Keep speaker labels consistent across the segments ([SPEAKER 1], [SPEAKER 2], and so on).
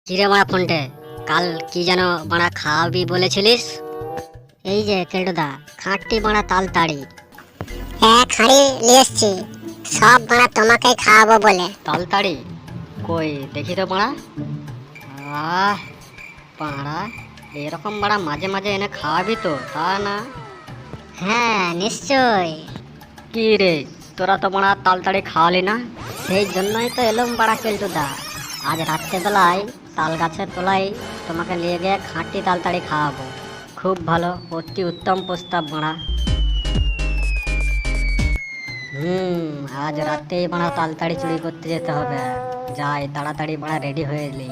[SPEAKER 1] কিরে মারা ফোনটে, কাল কি যেন মারা খাওয়াবি বলেছিলিস? এই যে কেল্টুদা, খাঁটি মারা তালতাড়ি।
[SPEAKER 2] হ্যাঁ, খাড়ি নিয়ে এসছি। সব মারা তোমাকেই খাওয়াবো বলে।
[SPEAKER 1] তালতাড়ি কই দেখি তো মারা। আহ পাড়া, এরকম মারা মাঝে মাঝে এনে খাওয়াবি তো, তা না?
[SPEAKER 2] হ্যাঁ, নিশ্চয়।
[SPEAKER 1] কি রে, তোরা তো মারা তালতাড়ি খাওয়ালি না? সেই জন্যই তো এলুম পাড়া কেল্টুদা। আজ রাত্রেবেলায় তাল গাছের তলায় তোমাকে নিয়ে গিয়ে খাঁটি তালতাড়ি খাওয়াবো। খুব ভালো, অতি উত্তম প্রস্তাব মারা। আজ রাতেই মারা তালতাড়ি চুরি করতে যেতে হবে। যাই তাড়াতাড়ি মারা, রেডি হয়ে এলি।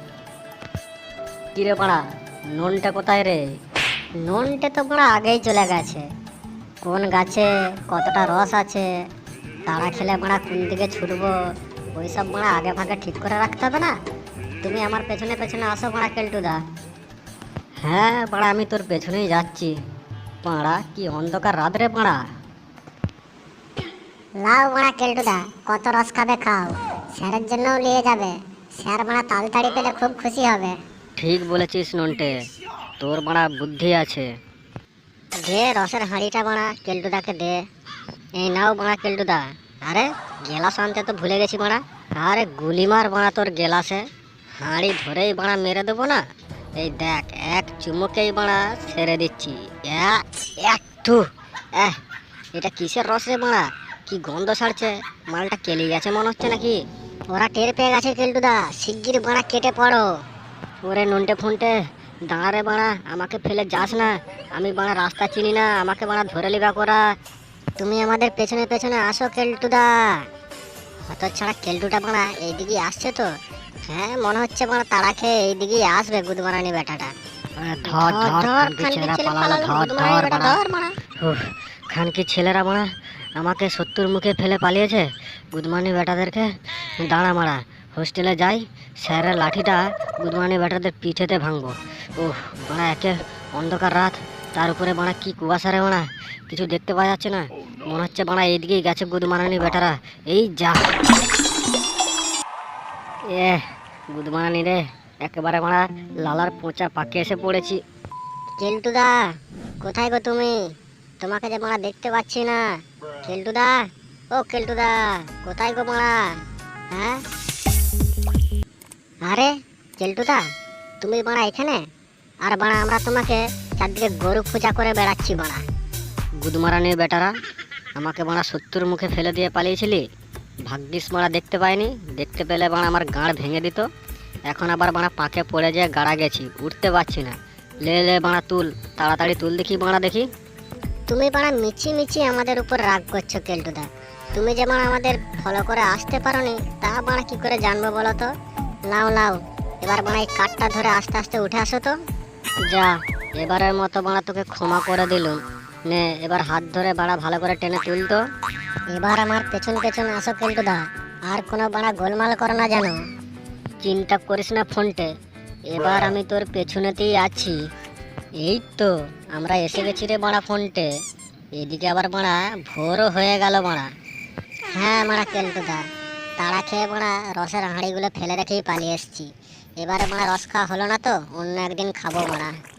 [SPEAKER 1] কিরে মারা, নুনটা কোথায় রে?
[SPEAKER 2] নুনটে তো মারা আগেই চলে গেছে। কোন গাছে কতটা রস আছে, তারা খেলে মারা কোন দিকে ছুটবো, ওইসব মারা আগে ভাগে ঠিক করে রাখতে হবে না? তুমি আমার পেছনে পেছনে আসো মারা কেল্টুদা।
[SPEAKER 1] হ্যাঁ পাড়া, আমি তোর পেছনেই যাচ্ছি। পাড়া কি অন্ধকার রাত রে পাড়া।
[SPEAKER 2] লাও মারা কেল্টুদা, কত রস খাবে খাও, স্যারের জন্যও নিয়ে যাবে। স্যার মারা তাড়াতাড়ি পেলে খুব খুশি হবে।
[SPEAKER 1] ঠিক বলেছিস নন্টে, তোর মারা বুদ্ধি আছে।
[SPEAKER 2] দে রসের হাঁড়িটা মারা কেল্টুদাকে দে। এই নাও মারা কেল্টুদা। আরে গেলাস আনতে তো ভুলে গেছি মারা।
[SPEAKER 1] আরে গুলি মার বাড়া তোর গেলাসে, হাঁড়ি ধরেই বাড়া মেরে দেবো না। এই দেখ, এক চুমুকেই বাড়া ছেড়ে দিচ্ছি। একটু এটা কিসের রস রে বাড়া? কি গন্ধ ছাড়ছে, মালটা কেলি গেছে মনে হচ্ছে নাকি।
[SPEAKER 2] ওরা টের পেয়ে গেছে কেল্টুদা, শিগগির মারা কেটে পড়ো।
[SPEAKER 1] ওরে নন্টে ফোনটে, দাঁড়া রে বাড়া, আমাকে ফেলে যাস না। আমি বাড়া রাস্তা চিনি না, আমাকে বাড়া ধরে লিবা করা।
[SPEAKER 2] তুমি আমাদের পেছনে পেছনে আসো কেল্টুদা। হত ছাড়া কেল্টুটা মারা এইদিকে আসছে তো। হ্যাঁ, মনে হচ্ছে মারা তারা খেয়ে এইদিকেই আসবে গুদমারানি বেটাটা।
[SPEAKER 1] ধর ধর, খানকি
[SPEAKER 2] খানকির
[SPEAKER 1] ছেলেরা
[SPEAKER 2] ছেলে
[SPEAKER 1] পালালো,
[SPEAKER 2] পালালো,
[SPEAKER 1] ধর
[SPEAKER 2] গুদমারানি
[SPEAKER 1] ধর
[SPEAKER 2] বেটা
[SPEAKER 1] বাড়া।
[SPEAKER 2] ধর মারা।
[SPEAKER 1] খানকি ছেলেরা মারা আমাকে শত্রুর মুখে ফেলে পালিয়েছে, গুদমানি বেটাদেরকে। দাঁড়া মারা, হোস্টেলে যাই, স্যারের লাঠিটা গুদমানি বেটাদের পিঠেতে ভাঙবো। মারা একে অন্ধকার রাত, তার উপরে মারা কি কুয়াশা রে মারা, কিছু দেখতে পাওয়া যাচ্ছে না। মনে হচ্ছে মারা এইদিকেই গেছে গুদমারানি বেটারা। এই যা, গুদমারানি রে, একেবারে মারা লালার পোঁচা পাকে এসে পড়েছি।
[SPEAKER 2] কেল্টুদা, কোথায় গো তুমি? তোমাকে যে মারা দেখতে পাচ্ছি না। কেল্টুদা, ও কেল্টুদা, কোথায় গো মারা? হ্যাঁ, আরে কেল্টুদা, তুমি মারা এখানে? আর বাড়া আমরা তোমাকে চারদিকে গরু পূজা করে বেড়াচ্ছি বাড়া।
[SPEAKER 1] গুদমারানির বেটারা, আমাকে মারা শত্রুর মুখে ফেলে দিয়ে পালিয়েছিলি। ভাগ্যিস মারা দেখতে পাইনি, দেখতে পেলে মারা আমার গাঁড় ভেঙে দিত। এখন আবার মারা পাকে পড়ে যেয়ে গাড়া গেছি, উঠতে পারছি না। লে লে মারা তুল, তাড়াতাড়ি তুল দেখি মারা দেখি।
[SPEAKER 2] তুমি বাড়া মিছি মিছি আমাদের উপর রাগ করছো কেল্টুদা। তুমি যে বাড়া আমাদের ফলো করে আসতে পারোনি, তা বাড়া কি করে জানবো বলো তো? নাও নাও, এবার বাড়া এই কাঠটা ধরে আস্তে আস্তে উঠে আসো তো।
[SPEAKER 1] যা, এবারের মতো মারা তোকে ক্ষমা করে দিলুম। নে এবার হাত ধরে বাড়া ভালো করে টেনে তুল তো।
[SPEAKER 2] এবার আমার পেছন পেছন আসো কেল্টুদা, আর কোনো বাড়া গোলমাল করো না জানো।
[SPEAKER 1] চিন্তা করিস না ফোনটে, এবার আমি তোর পেছনেতেই আছি। এই তো আমরা এসে গেছি রে বাড়া ফোনটে। এদিকে আবার বাড়া ভোরও হয়ে গেল বাড়া।
[SPEAKER 2] হ্যাঁ মারা কেল্টুদা, তাড়া খেয়ে মারা রসের হাঁড়িগুলো ফেলে রেখেই পালিয়ে এসছি। এবারে মারা রস খাওয়া হলো না তো, অন্য একদিন খাবো মারা।